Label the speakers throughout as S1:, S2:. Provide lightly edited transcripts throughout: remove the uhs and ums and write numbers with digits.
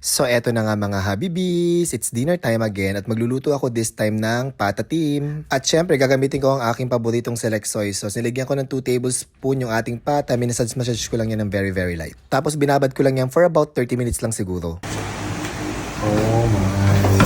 S1: So eto na nga mga habibis, it's dinner time again at magluluto ako this time ng patatim. At syempre gagamitin ko ang aking paboritong select soy sauce. Nilagyan ko ng 2 tablespoon yung ating pata, minasage ko lang yan ng very light. Tapos binabad ko lang yan for about 30 minutes lang siguro. Oh my.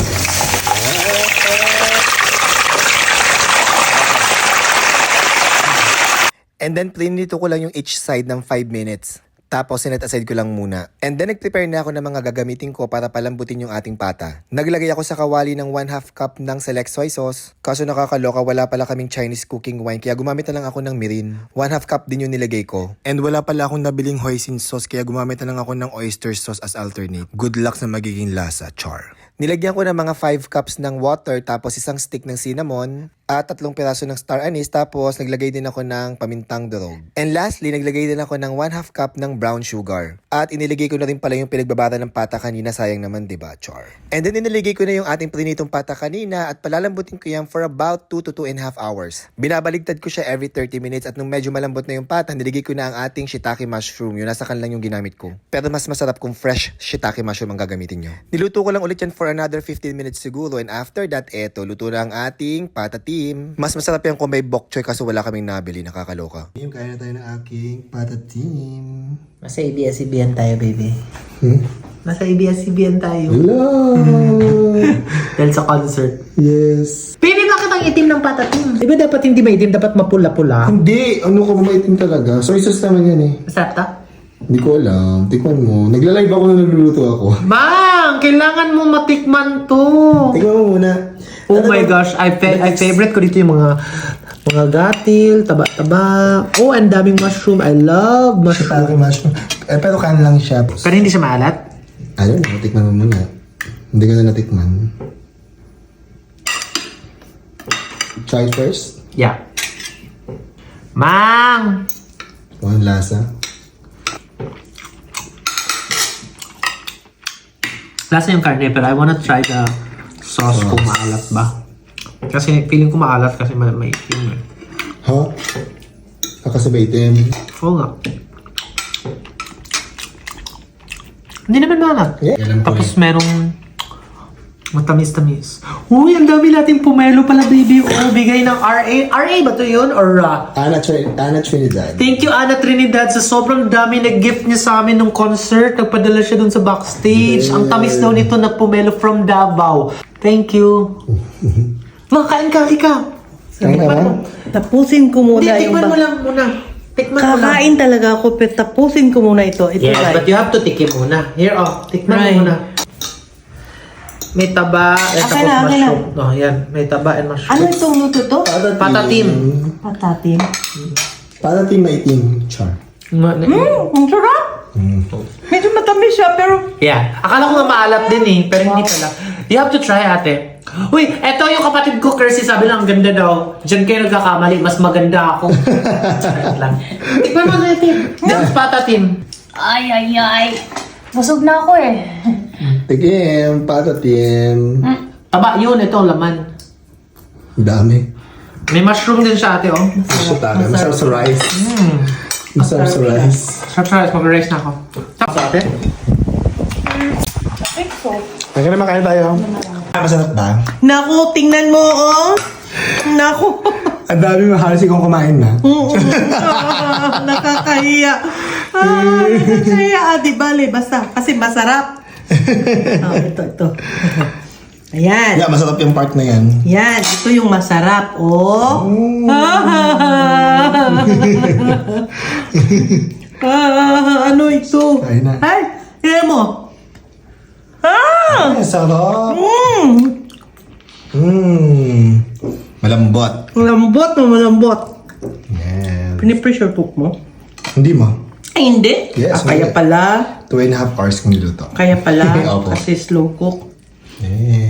S1: And then plinito ko lang yung each side ng 5 minutes. Tapos sinet aside ko lang muna. And then nag-prepare na ako ng mga gagamitin ko para palambutin yung ating pata. Naglagay ako sa kawali ng 1/2 cup ng select soy sauce. Kaso nakakaloka, wala pala kaming Chinese cooking wine kaya gumamit na lang ako ng mirin. 1/2 cup din yung nilagay ko. And wala pala akong nabiling hoisin sauce kaya gumamit na lang ako ng oyster sauce as alternate. Good luck sa magiging lasa, char. Nilagyan ko ng mga 5 cups ng water tapos isang stick ng cinnamon at 3 piraso ng star anise tapos naglagay din ako ng pamintang durog. And lastly, naglagay din ako ng 1/2 cup ng brown sugar. At iniligay ko na rin pala yung pinagbabara ng pata kanina, sayang naman diba, char. And then iniligay ko na yung ating prinitong pata kanina at palalambutin ko yan for about 2 to 2.5 hours. Binabaligtad ko siya every 30 minutes at nung medyo malambot na yung pata, niligay ko na ang ating shiitake mushroom. Yun, nasa kan lang yung ginamit ko. Pero mas masarap kung fresh shiitake mushroom ang gagamitin nyo. Niluto ko lang ulit yan for another 15 minutes siguro and after that, eto, luto na ang ating patatim. Mas masarap yan kung may bok choy kaso wala kaming nabili, nakakaloka. Kaya na tayo ng aking patatim.
S2: Nasa ABS-CBN tayo, baby. Nasa ABS-CBN tayo.
S1: Hello!
S2: Dahil sa concert.
S1: Yes.
S2: Baby, bakit ang itim ng patatim? Di ba dapat hindi maitim? Dapat mapula-pula?
S1: Hindi, ano ka maitim talaga. Soy sauce naman yan eh.
S2: Masarap ta?
S1: Hindi ko alam. Tikman mo. Nagla-live ako na nagluluto ako.
S2: Bang! Kailangan mo matikman to.
S1: Tikman mo muna.
S2: Oh my gosh, I favorite ko dito yung mga gatil, taba-taba. Oh, ang daming mushroom. I love mushroom.
S1: Mushroom. Pero kan lang siya.
S2: Pero hindi siya maalat?
S1: I don't know. Tikman mo muna. Hindi ko na natikman. Try it first.
S2: Yeah. Mang!
S1: One lasa.
S2: Lasa yung karne, pero I wanna try the sauce kung maalat ba. Kasi feeling ko maalat kasi may itim eh.
S1: Ha? Kakasabay itim.
S2: Oo nga. Hindi naman maalat.
S1: Yeah. Alam ko
S2: Tapos merong matamis-tamis. Uy, ang dami nating pumelo pala, baby. Oh, bigay ng RA. RA ba to yun? Or
S1: Ana Trinidad.
S2: Thank you, Ana Trinidad, sa sobrang dami na-gift niya sa amin nung concert. Nagpadala siya dun sa backstage. Ang tamis daw nito na pomelo from Davao. Thank you. Makain ka, ikaw.
S1: Kain ka ba?
S3: Tapusin ko muna
S2: Hindi,
S3: yung
S2: tikman mo lang muna. Tikman mo lang.
S3: Kakain talaga ako, pero tapusin ko muna ito. Ito
S2: Yes,
S3: right.
S2: but you have to tikim muna. Here, oh. Tikman
S3: Right.
S2: mo muna. May taba,
S3: Okay
S2: tapos
S3: na, okay
S2: mushroom. Oh, yan. May taba and mushroom.
S3: Ano itong luto to?
S2: Patatim.
S3: Patatim.
S1: Patatim maitim. Char.
S3: Ang sarap! Medyo matamis siya, pero...
S2: Yeah. Akala ko nga maalat din eh, pero hindi pala. You have to try, ate. Uy, eto yung kapatid ko, Kersey, sabi lang, ang ganda daw. Diyan kayo nagkakamali, mas maganda ako. Charot lang. Tikman mo natin. That's patatim.
S4: Ay. Busog na ako eh.
S1: Tikim. Patatim.
S2: Taba, yun, ito ang laman.
S1: Dami.
S2: May mushroom din siya, ate, oh.
S1: Masarap sa rice. Masarap sa rice.
S2: Sarap sa rice, mag-rice na ako. Tapos, ate?
S1: Teka naman, kain tayo. Masarap ba?
S3: Naku, tingnan mo, oh! Naku!
S1: Ang dami mahalas kung kumain na.
S3: Nakakahiya. Nakakahiya. Di bale, basta. Kasi masarap. Ito. Ayan.
S1: Yeah, masarap yung part na yan.
S3: Yan, ito yung masarap, oh. Ano ito?
S1: Kain na.
S3: Ay, kaya mo.
S1: Ay, sarap. Malambot.
S3: Malambot.
S1: Yes.
S3: Pinipressure cook mo?
S1: Hindi mo.
S3: Ay, hindi.
S1: Yes,
S3: Kaya
S1: hindi.
S3: pala.
S1: 2.5 hours kung niluto.
S3: Kaya pala.
S1: Opo.
S3: Kasi slow cook.
S1: Yes.